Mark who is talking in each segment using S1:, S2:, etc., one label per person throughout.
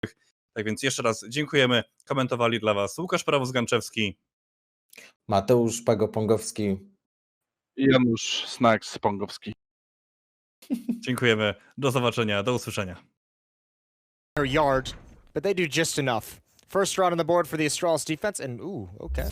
S1: Tak więc jeszcze raz dziękujemy. Komentowali dla Was Łukasz Prawos-Ganczewski,
S2: Mateusz Pago-Pongowski
S3: i Janusz Snacks-Pongowski.
S1: Dziękujemy. Do zobaczenia. Do usłyszenia.
S4: Yard, but they do just enough. First round on the board for the Astralis defense, and okay.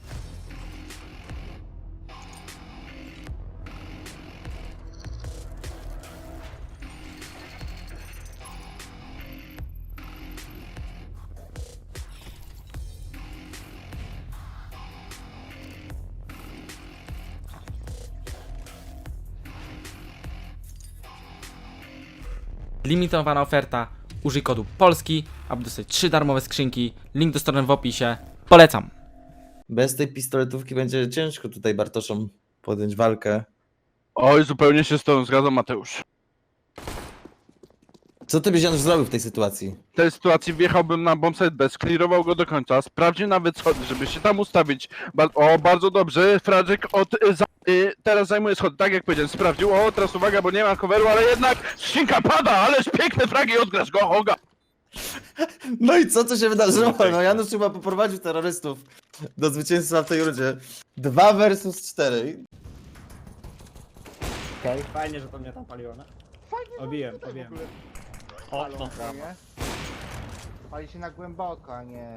S5: Limitowana oferta. Użyj kodu POLSKI, aby dostać 3 darmowe skrzynki. Link do strony w opisie. Polecam.
S2: Bez tej pistoletówki będzie ciężko tutaj Bartoszom podjąć walkę.
S3: Oj, zupełnie się z tobą zgadzam, Mateusz.
S2: Co ty byś Janusz zrobił w tej sytuacji?
S3: W tej sytuacji wjechałbym na bombsite B, sklirował go do końca, sprawdził nawet schody, żeby się tam ustawić. Bardzo dobrze, Fradżyk teraz zajmuje schody, tak jak powiedziałem, sprawdził. Teraz uwaga, bo nie ma coveru, ale jednak skrzynka pada, ależ piękne fragi, odgrasz go, Hoga!
S2: No i co się wydarzyło? No Janusz chyba poprowadził terrorystów do zwycięstwa w tej rundzie. 2 versus 4.
S6: Fajnie, że to mnie tam paliło, no. Obiłem.
S7: Okno. Pali się na głęboko, a nie...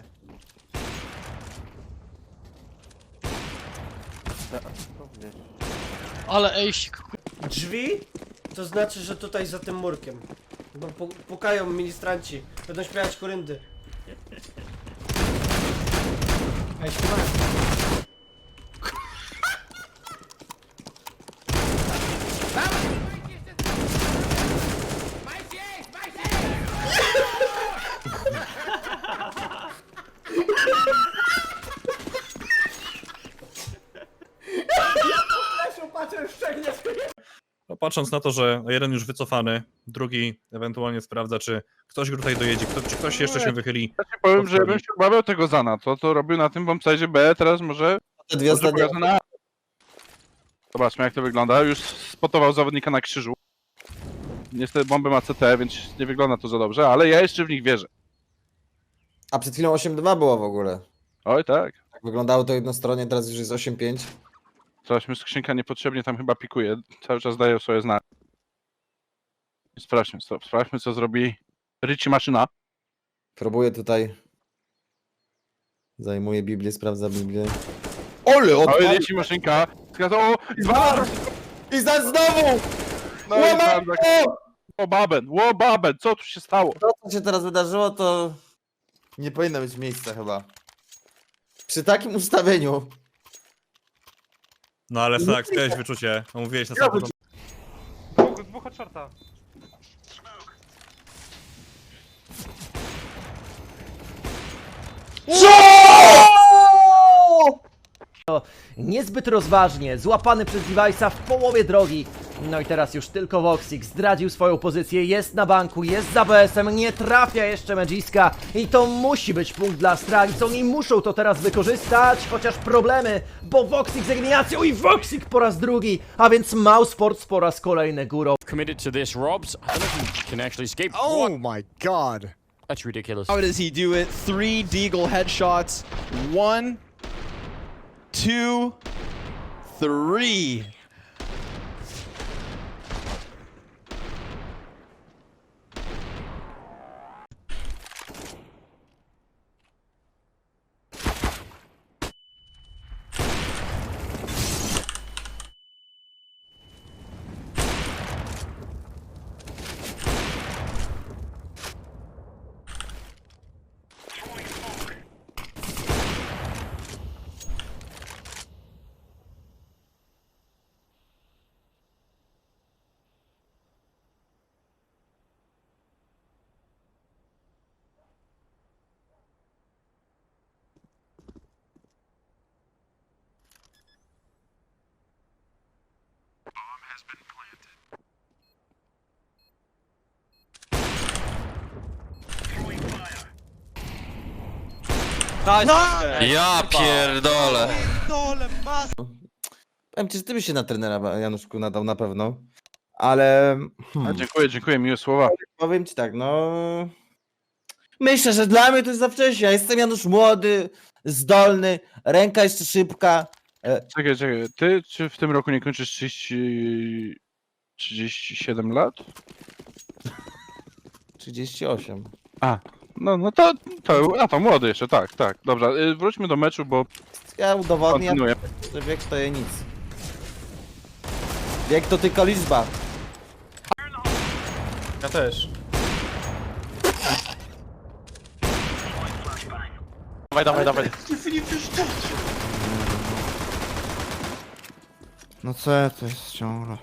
S8: Ale ejsik.
S6: Drzwi? To znaczy, że tutaj za tym murkiem. Bo pukają ministranci. Będą śpiewać koryndy. Ej, śpiewają.
S1: No, patrząc na to, że jeden już wycofany, drugi ewentualnie sprawdza, czy ktoś go tutaj dojedzie, czy ktoś jeszcze się wychyli.
S3: Ja ci powiem, że ja bym się obawiał tego Zana, to robił na tym bombsite B, teraz może...
S2: Te dwie ostatnie...
S3: pokaże na... Zobaczmy jak to wygląda, już spotował zawodnika na krzyżu. Niestety bomby ma CT, więc nie wygląda to za dobrze, ale ja jeszcze w nich wierzę.
S2: A przed chwilą 8-2 było w ogóle.
S3: Oj tak.
S2: Tak wyglądało to jednostronnie, teraz już jest 8-5.
S3: Coś mi skrzynka niepotrzebnie tam chyba pikuje, cały czas daje sobie znać. Sprawdźmy co zrobi Richie Maszyna.
S2: Próbuję tutaj. Zajmuje Biblię, sprawdza Biblię. Ole,
S3: Oj, Richie Maszynka.
S2: I znowu!
S3: No i tam tak. Łobaben, co tu się stało?
S2: To, co się teraz wydarzyło, to nie powinno mieć miejsca chyba. Przy takim ustawieniu.
S1: No ale tak, miałeś wyczucie. No, mówiłeś na samym początku.
S8: Dwóch od shorta.
S9: Niezbyt rozważnie, złapany przez Device'a w połowie drogi. No i teraz już tylko Voxic zdradził swoją pozycję, jest na banku, jest za BS-em, nie trafia jeszcze Magiska. I to musi być punkt dla Astralis, oni muszą to teraz wykorzystać, chociaż problemy, bo Voxic z eliminacją i Voxic po raz drugi, a więc Mousesports po raz kolejny górą.
S8: Committed to this, Robs. I don't know if he can actually escape.
S4: Oh my god.
S8: That's ridiculous.
S10: How does he do it? 3 Deagle headshots. 1, 2, 3.
S8: Ja pierdolę.
S2: Powiem ci, że ty byś się na trenera, Januszku, nadał na pewno. Ale...
S3: Dziękuję, miłe słowa.
S2: Powiem ci tak, no... Myślę, że dla mnie to jest za wcześnie. Ja jestem Janusz młody, zdolny, ręka jeszcze szybka.
S3: Czekaj, ty czy w tym roku nie kończysz 37 lat?
S2: 38.
S3: No to młody jeszcze, tak. Dobra, wróćmy do meczu, bo
S2: Ja udowodnię,
S3: kontynuuję.
S2: że wiek to je nic. Wiek to tylko liczba.
S1: Ja też.
S8: Dawaj.
S7: No co ja to jest ciągle?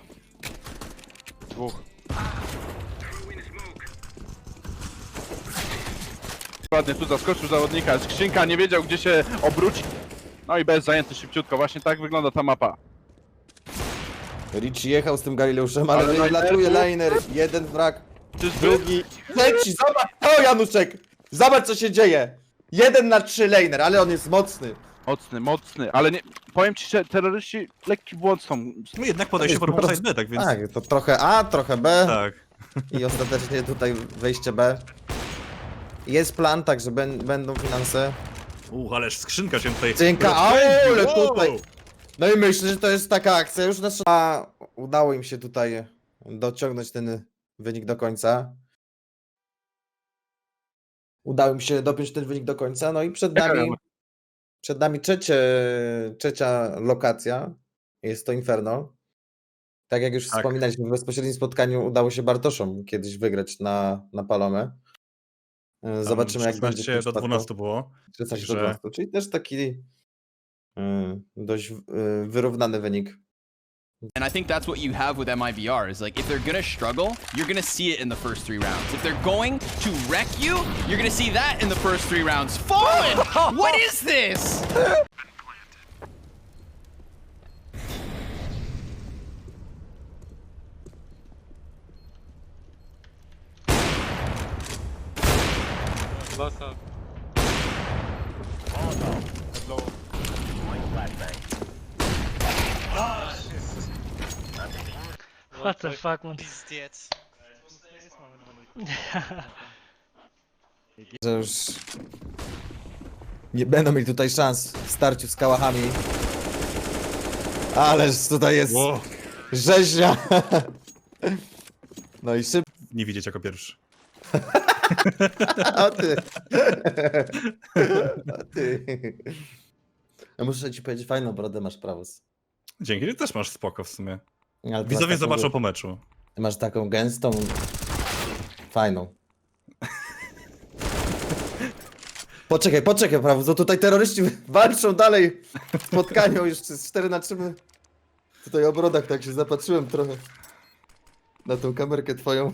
S3: Ładnie tu zaskoczył zawodnika, skrzynka nie wiedział gdzie się obrócić. No i bez zajęty szybciutko, właśnie tak wygląda ta mapa.
S2: Richie jechał z tym Galileuszem, ale
S3: Ale
S2: wylatuje
S3: Liner-
S2: liner. Jeden wrak,
S3: Czyżby?
S2: drugi, trzeci. Zobacz to, Januszek! Zobacz, co się dzieje. 1 na 3 laner, ale on jest mocny.
S3: Mocny, ale nie, powiem ci, że terroryści lekki błąd są.
S1: No jednak podejście pod bombsite B, tak więc...
S2: Tak, to trochę A, trochę B
S1: Tak.
S2: i ostatecznie tutaj wejście B. Jest plan, także będą finanse.
S1: Ależ skrzynka się tutaj...
S2: Skrzynka,
S1: rozpędzi.
S2: ale tutaj. No i myślę, że to jest taka akcja już nasza. Udało im się tutaj dociągnąć ten wynik do końca. Udało im się dopiąć ten wynik do końca, no i przed nami trzecia lokacja. Jest to Inferno. Tak jak już
S1: Tak.
S2: wspominaliśmy, w bezpośrednim spotkaniu udało się Bartoszom kiedyś wygrać na Palomę. Zobaczymy, jak będzie.
S1: 16 do 12 było.
S2: 16 do
S1: Także-
S2: 12, czyli też taki dość wyrównany wynik.
S10: And I think that's what you have with MIVR is like if they're gonna struggle, you're gonna see it in the first 3 rounds. If they're going to wreck you, you're gonna see that in the first 3 rounds. Fallen! What is this?
S11: What the fuck, man?
S2: Że już nie będą mieli tutaj szans w starciu z kałachami. Ależ tutaj jest
S1: Wow.
S2: rzeźnia. No i szybko.
S1: Nie widzieć jako pierwszy.
S2: A ty. A ty. Ja muszę ci powiedzieć, fajną brodę masz, Prawus.
S1: Dzięki, ty też masz spoko w sumie.
S2: Ale ty masz
S1: Widzowie
S2: taką-
S1: zobaczą po meczu.
S2: Ty masz taką gęstą, fajną. Poczekaj, Prawus, bo tutaj terroryści walczą dalej w spotkaniu, już z 4 na 3. Tutaj o brodach tak się zapatrzyłem trochę na tą kamerkę twoją.